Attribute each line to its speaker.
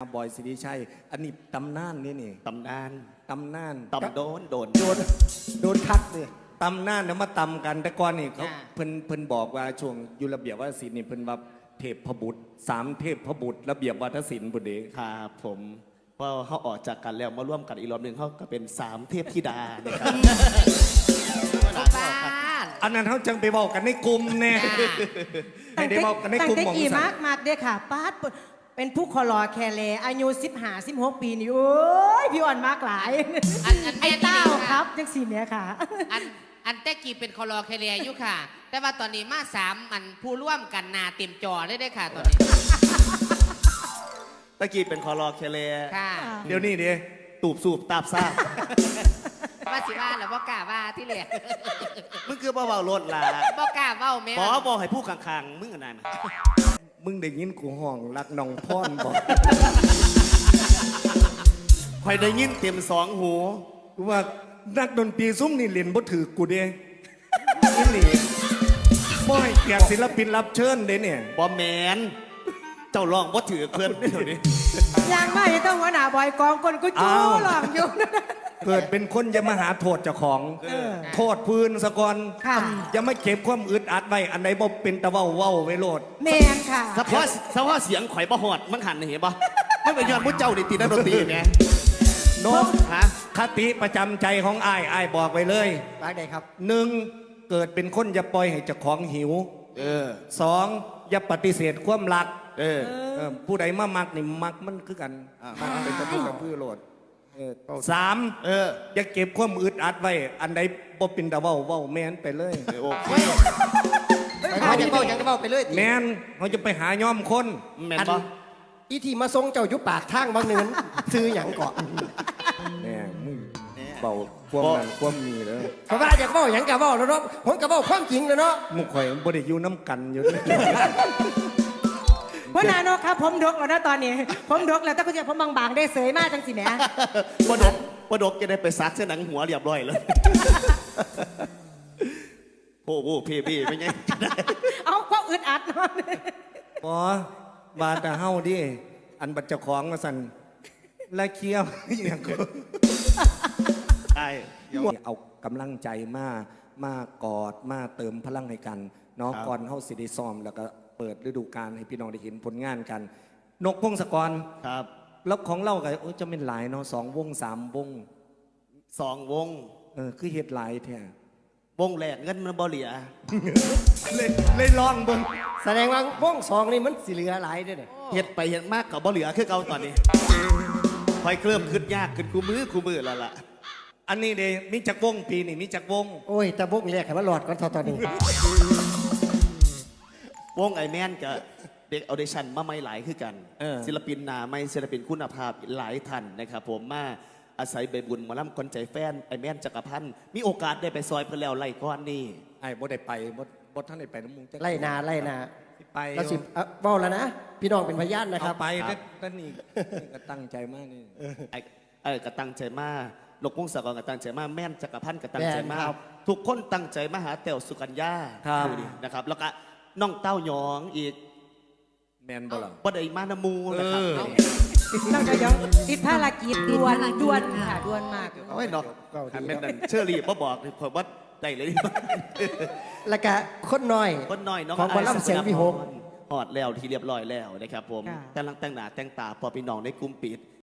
Speaker 1: บอยสิริชัยอันนี้ตำนานนี่
Speaker 2: ตำนาน
Speaker 1: ตำนาน
Speaker 2: ตำโดน
Speaker 3: โดนคัดเลย
Speaker 1: ตำนานเนี่ยมาตำกันแต่ก่อนนี่เขาเพิ่นบอกว่าช่วงอยู่ระเบียบวัฒนศิลป์นี่เพิ่นว่าเทพบุตร3เทพบุตรระเบียบวัฒนศิลป์บุตรเด้
Speaker 2: ครับผมพอเขาออกจากกันแล้วมาร่วมกันอีกรอบหนึ่งเขาก็เป็น3เทพธิดานะครับ
Speaker 1: อันนั้นเขาจังไปบอกกันในกลุ่มแน่ให้ได้บอกกันในกลุ่มของ
Speaker 3: สันมากเด้อค่ะป้าเป็นผู้คอรอแคเลอายุ15-16 ปีนี่โอ้ยพี่อ่อนมากหลายไอ้เต้าครับจังสีเนี้ยค่ะ
Speaker 4: อันแต่กี้เป็นคอรอแคเรียอยู่ค่ะ แต่ว่าตอนนี้มา3มันผู้ร่วมกันนาเต็มจอเลยได้ค่ะตอนนี้
Speaker 2: ตะกี้เป็นคอรอเคเล
Speaker 4: ค่ะ
Speaker 1: เดี๋ยวนี้ดิ
Speaker 2: ตูบสูบตาบซ่า
Speaker 4: ว่าสิว่าหรือว่ากล้าว่าที่เหลือ
Speaker 2: มึงคือเบาๆรถล่ะ
Speaker 4: บ่กล้าเว้าแม่
Speaker 2: บอกให้ผู้ข้างๆมึงอะไรมา
Speaker 1: มึงได้ยินกูห้องรักน้องพ่อนบอก
Speaker 2: คอยได้ยินเต็ม2 หู
Speaker 1: ว่านักดนตรีซุ้มนี่เล่นบ่ถือกูเด้นี่บ่ให้เกียรติศิลปินรับเชิญเด้เนี่ย
Speaker 2: บ่แมนเจ้าร้องบ่ถือเพื่อนไม่เท่านี้
Speaker 3: ยังไม่ต้องหัวหน้าบอยกองคนกูจู้หลอกอยู่
Speaker 1: เกิดเป็นคนจะมาหาโทษเจ้าของโทษพื้นสะก่อนอย่าไม่เก็บความอึดอัดไว้อันใดบ่เป็นตะเว้าไว้โลด
Speaker 3: แมนค่ะ
Speaker 2: เฉพาะเสียงข่อยบ่หอดมันหันเห็นบ่มันเป็นยอดมุ้เจ้าดิตีนักดนตรีไง
Speaker 1: นกคติประจำใจของอ้ายบอกไว้เลย
Speaker 3: ว่าไงครับ
Speaker 1: 1เกิดเป็นคนอย่าปล่อยให้เจ้าของหิว2อย่าปฏิเสธความรักผู้ใดมามักนี่มักมันคือกันมักเป็นตะพื้นกับพื้นโลด3อย่าเก็บความอึดอัดไว้อันใดบ่เป็นตะเว้าแม่นไปเลย
Speaker 2: โอเค
Speaker 3: เขาจะเว้าไปเลย
Speaker 1: แม่นเขาจะไปหาย่อมคน
Speaker 2: แม่นบ่
Speaker 3: อีที่มาทรงเจ้ายุปากทางบางเนินซื้อหยังเกาะ
Speaker 1: แม่มึงเบาความนั้นความมีเลย
Speaker 3: เพราะว่าอยากเว้าหยังกะเว้าแล้วเนาะผมกะเว้าความจริงแล้วเนาะ
Speaker 1: มุกข่อยบ่ได้อยู่น้ำกันอยู่
Speaker 3: พ่อนายนกครับผมดกแล้วนะตอนนี้ผมดกแล้วถ้าคุณจะผมบางๆได้เสยมากจังสิแหม
Speaker 2: บ่ดกจะได้ไปซักเส้นหนังหัวเรียบร้อยเลยโอ้โหพี่เป็นไง
Speaker 3: เอาความอึดอัดเนาะ
Speaker 1: อ๋อบาดแต่เฮาดิอันบัดเจ้าของมาสั่นละเคี้ยวอย่างก็
Speaker 2: ใช่
Speaker 1: เอากำลังใจมากอดมาเติมพลังให้กันเนาะก่อนเฮาสิได้ซ้อมแล้วก็เปิดฤดูกาลให้พี่น้องได้เห็นผลงานกันนกพงศกร
Speaker 2: ครับ
Speaker 1: แล้วของเราก็จะเป็นหลายเนาะ2 วง 3 วง
Speaker 2: 2 วง
Speaker 1: คือเฮ็ดหลายแท้
Speaker 2: วงแรกเงินมันบ่เหลือ
Speaker 1: เลยลองเบิ่ง
Speaker 3: แสดงว่าวง2นี่มันสิเหลือหลายเด้อเนี่ย
Speaker 2: เฮ็ดไปเฮ็ดมากก็บ่เหลือคือเก่าตอนนี้ค่อยเคลื่อนขึ้นยากขึ้นคู่มือแล้วล่ะ
Speaker 1: อันนี้เด้มีจักวงปีนี่มีจักวง
Speaker 3: โอ้ยแต่วงแรกให้มันหลอดก่อนตอนนี้
Speaker 2: วงไอแมนกับเด็กออเดชั่นมาไม่หลายคือกันศิลปินหนาไม่ศิลปินคุณภาพหลายท่านนะครับผมมาอาศัยใบบุญมาล่ำคนใจแฟนไอแมนจักรพันธ์มีโอกาสได้ไปซอยเพื่อแล้วไล่ก้อนนี่
Speaker 1: ไอ้บ่ได้ไปบ่ท่านได้ไปน้ำมุง
Speaker 3: ไล่นา
Speaker 1: ไป
Speaker 3: เราสิบอกแล้วนะพี่น้องเป็นพยานนะครับ
Speaker 1: ไปนั่นนี่ก็ตั้งใจมากนี่
Speaker 2: ก็ตั้งใจมากนกพงศกรก็ตั้งใจมากแม่นจักรพันธ์ก็ตั้งใจมากทุกคนตั้งใจมาหาแต้วสุกัญญานะครับแล้วก็น้องเต้าหยองอีก
Speaker 1: แมนบ่ล่ะ
Speaker 2: บ่ได้มาน้ำมูนะครับ
Speaker 3: น้องเต้าหยองติดภารกิจด่วนค่ะด่วนมาก
Speaker 2: โอ้ยเนาะอันนั้นเชอรี่บ่บอกผมว่าได้เลย
Speaker 3: แล้วก็คนน้อย
Speaker 2: น้อง
Speaker 3: ของบอลล่ำเสียงวิหก
Speaker 2: หอดแล้วที่เรียบร้อยแล้วนะครับผมกำลังแต่งหน้าแต่งตาพอพี่น้องในกลุ่มปิด